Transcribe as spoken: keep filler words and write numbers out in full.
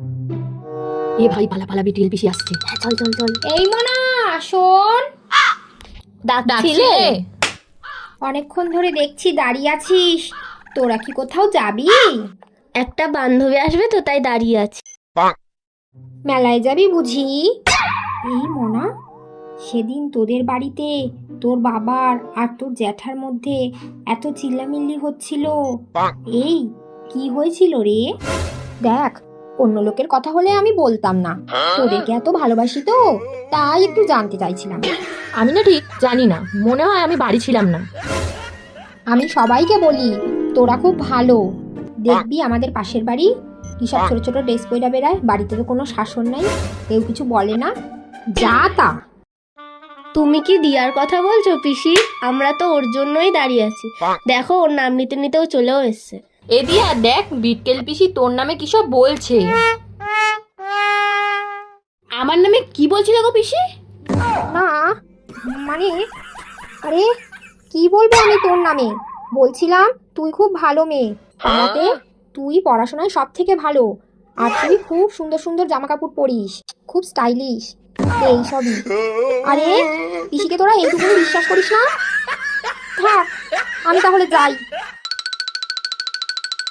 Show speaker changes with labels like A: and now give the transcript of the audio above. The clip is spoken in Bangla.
A: এ ভাই পালা পালা বিটিএল পিসি আসছে। হ্যাঁ চল চল চল।
B: এই মোনা শোন,
A: ডাকছিলে?
B: অনেকক্ষণ ধরে দেখছি দাঁড়িয়ে আছিস, তোরা কি কোথাও যাবি?
C: একটা বান্ধবী আসবে তো তাই দাঁড়িয়ে আছি।
B: মেলায় যাবি বুঝি? এই মোনা, সেদিন তোদের বাড়িতে তোর বাবার আর তোর জ্যাঠার মধ্যে এত চিল্লামিল্লি হচ্ছিল, এই কি হয়েছিল রে? দেখ, অন্য লোকের কথা হলে আমি বলতাম না, তোদেরকে এত ভালোবাসি তো তাই একটু জানতে চাইছিলাম।
A: আমি না ঠিক জানি না, মনে হয় আমি বাড়ি ছিলাম না।
B: আমি সবাইকে বলি তোরা খুব ভালো, দেখবি আমাদের পাশের বাড়ি কি সব ছোট ছোট ড্রেস পয়রা বেড়ায়, বাড়িতে তো কোনো শাসন নাই, কেউ কিছু বলে না, যা তা।
C: তুমি কি দিয়ার কথা বলছো পিসি? আমরা তো ওর জন্যই দাঁড়িয়ে আছি। দেখো ওর নাম নিতে নিতেও চলেও এসছে।
A: এ দিয়া দেখ, বিটকেল পিসি তোর নামে কি সব বলছে। আমার নামে কি বলছিল গো পিসি?
B: না মানে, আরে কি বলবো আমি তোর নামে, বলছিলাম তুই খুব ভালো মেয়ে, পাড়াতে তুই পড়াশোনায় সব থেকে ভালো, আর তুই খুব সুন্দর সুন্দর জামা কাপড় পরিস, খুব স্টাইলিশ, এই সবই। আরে পিসিকে তোরা এইটুকুনি বিশ্বাস করিস না? থাক, আমি তাহলে যাই।